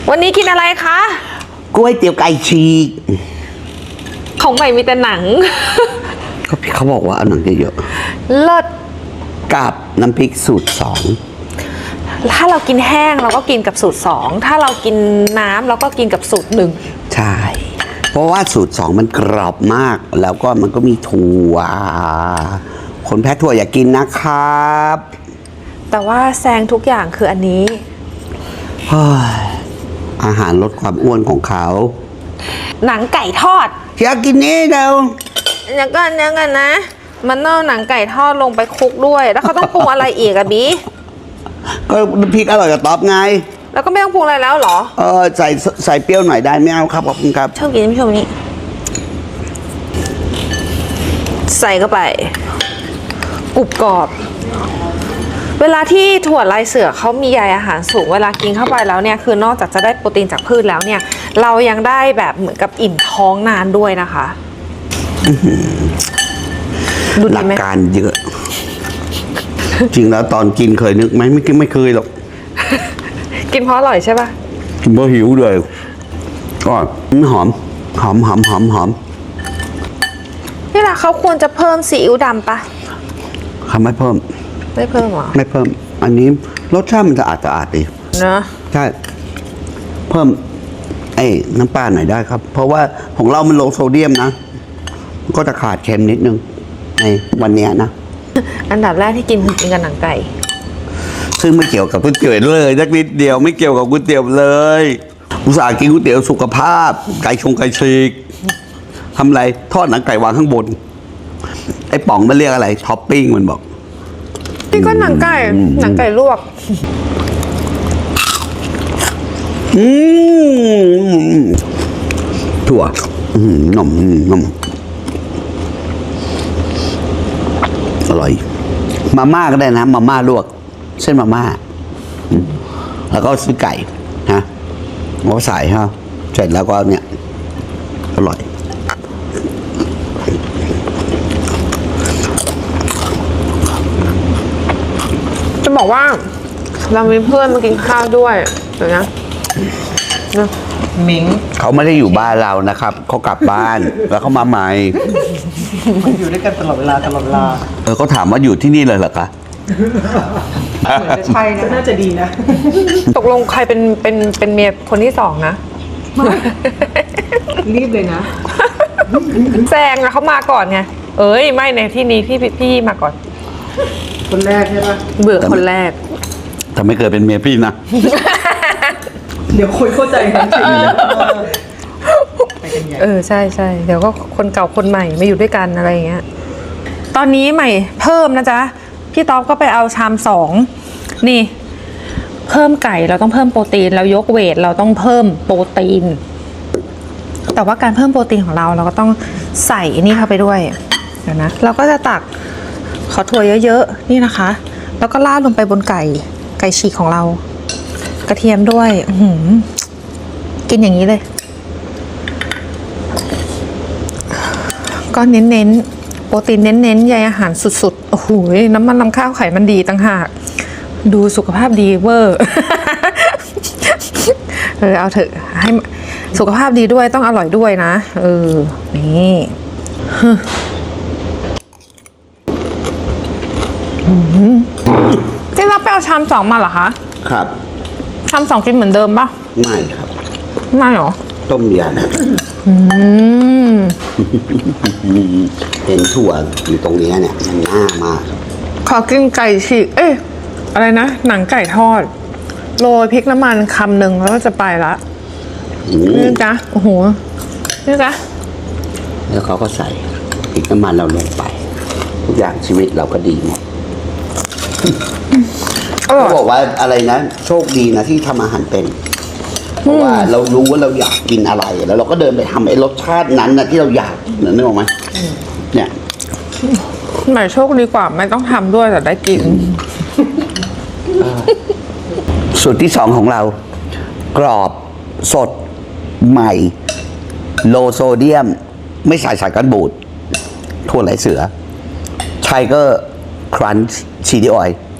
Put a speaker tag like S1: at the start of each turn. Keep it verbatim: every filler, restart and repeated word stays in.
S1: วันนี้กินอะไรคะ
S2: ก๋วยเตี๋ยวไก่ฉีก
S1: ของใหม่มีแต่หนัง
S2: ก็พี่เขาบอกว่าเอาหนังเยอะ
S1: เลิศ
S2: กับน้ำพริกสูตรสอง
S1: ถ้าเรากินแห้งเราก็กินกับสูตรสองถ้าเรากินน้ำเราก็กินกับสูตรหนึ่ง
S2: ใช่เพราะว่าสูตรสองมันกรอบมากแล้วก็มันก็มีถั่วคนแพ้ถั่วอย่ากินนะครับ
S1: แต่ว่าแซงทุกอย่างคืออันนี้
S2: อาหารลดความอ้วนของเขา
S1: หนังไก่ทอด
S2: อยากกินนี่เดา
S1: อย่างกันอย่างกันนะมันเอาหนังไก่ทอดลงไปคลุกด้วยแล้วเขาต้องปรุงอะไรอีกอะบี
S2: ก็น้ำพริกอร่อยกับต๊อบไง
S1: แล้วก็ไม่ต้องปรุงอะไรแล้วเหรอ
S2: เออใส่ใส่เปรี้ยวหน่อยได้ไม่เอาครับขอบคุณครับ
S1: ชอบกินพี่ชมนี้ใส่เข้าไปกรุบกรอบเวลาที่ถั่วลายเสือเขามีใยอาหารสูงเวลากินเข้าไปแล้วเนี่ยคือนอกจากจะได้โปรตีนจากพืชแล้วเนี่ยเรายังได้แบบเหมือนกับอิ่มท้องนานด้วยนะคะ
S2: ดูหลักการเยอะจริงแล้วตอนกินเคยนึกไหมไม่ไม่เคยหรอก
S1: กินเพราะอร่อยใช่ป่ะ
S2: กินเพราะหิวเลยก็หอมหอมหอมหอมหอม
S1: นี่แหละเขาควรจะเพิ่มซีอิ๊วดำปะ
S2: เขาไม่เพิ่ม
S1: ไม่เพิ่มหรอ
S2: ไม่เพิ่มอันนี้รสชาติมันจะอาจจะอาดดี
S1: นะ
S2: ใช่เพิ่มไอ้น้ำปลาหน่อยได้ครับเพราะว่าของเรามันโลโซเดียมนะก็จะขาดเค็มนิดนึงในวันนี้นะ
S1: อันดับแรกที่กินคือกินกับหนังไก่
S2: ซึ่งไม่เกี่ยวกับก๋วยเตี๋ยวเลยสักนิดเดียวไม่เกี่ยวกับก๋วยเตี๋ยวเลยอุตส่าห์กินก๋วยเตี๋ยวสุขภาพไก่ชงไก่ฉีกทำไรทอดหนังไก่วางข้างบนไอ้ป๋องมันเรียกอะไรท็อปปิ้งมันบอก
S1: นี่ก็หนังไก่หนังไก่ลวก
S2: อืมถั่วอืมนมนมอร่อยมาม่าก็ได้นะมาม่าลวกเส้นมาม่าแล้วก็ซื้อไก่ฮะแล้วก็ใส่ฮะเสร็จแล้วก็เนี่ยอร่อย
S1: จะบอกว่าเรามีเพื่อนมากินข้าวด้วยเดี๋ยวนะนะมิง
S2: เขาไม่ได้อยู่บ้านเรานะครับเขากลับบ้านแล้วเขามาใหม่
S3: มันอยู่ด้วยกันตลอดเวลาตลอดเวลา
S2: เออเขาถามว่าอยู่ที่นี่เลยเหรอคะ
S3: เหมือนจะใช่นะน่าจะดีนะ
S1: ตกลงใครเป็นเป็นเป็นเมียคนที่สองนะ
S3: รีบเลยนะ
S1: แซงอะเขามาก่อนไงเอ้ยไม่ในที่นี้พี่พี่มาก่อน
S3: คนแรกใช่ปะ
S1: เบื่อคนแรก
S2: แต่ไม่เคยเป็นเมียพี่นะ
S3: เดี๋ยวคุยเข้าใจกันจริง
S1: เออใช่ใช่เดี๋ยวก็คนเก่าคนใหม่มาอยู่ด้วยกันอะไรอย่างเงี้ยตอนนี้ใหม่เพิ่มนะจ๊ะพี่ต๊อบก็ไปเอาชามสองนี่เพิ่มไก่เราต้องเพิ่มโปรตีนเรายกเวทเราต้องเพิ่มโปรตีนแต่ว่าการเพิ่มโปรตีนของเราเราก็ต้องใส่นี่เข้าไปด้วยเดี๋ยวนะเราก็จะตักขอถั่วเยอะๆนี่นะคะแล้วก็ราดลงไปบนไก่ไก่ฉีกของเรากระเทียมด้วยหืมกินอย่างนี้เลยก็เน้นๆโปรตีนเน้นๆใยอาหารสุดๆโอ้โหน้ำมันลำข้าวไขมันดีต่างหากดูสุขภาพดีเวอร์เออเอาเถอะให้สุขภาพดีด้วยต้องอร่อยด้วยนะเออนี่ที่เราไปเอาชามสองมาเหรอคะ
S2: ครับ
S1: ชามสองกินเหมือนเดิมปะ
S2: ไม่ครับ
S1: ไม่หรอ
S2: ต้มยำ
S1: อืม
S2: เห็นถั่วอยู่ตรงนี้เนี่ยมันน่ามาก
S1: ขอกินไก่ฉีกเอ๊ะอะไรนะหนังไก่ทอดโรยพริกน้ำมันคำหนึ่งแล้วก็จะไปละนี่จ้ะโอ้โหนี่จ้ะ
S2: แล้วเขาก็ใส่พริกน้ำมันเราลงไปทุกอย่างชีวิตเราก็ดีหมดเขาบอกว่าอะไรนะโชคดีนะที่ทำอาหารเป็นเพราะว่าเรารู้ว่าเราอยากกินอะไรแล้วเราก็เดินไปทำไอ้รสชาตินั้นนะที่เราอยากนึกออกไหมเนี่ย
S1: หมายโชคดีกว่าไม่ต้องทำด้วยแต่ได้กิน
S2: สูตรที่สองของเรากรอบสดใหม่โลโซเดียมไม่ใส่สารกันบูดถั่วไหลเสือไทเกอร์ครันช์ชีดีออยล์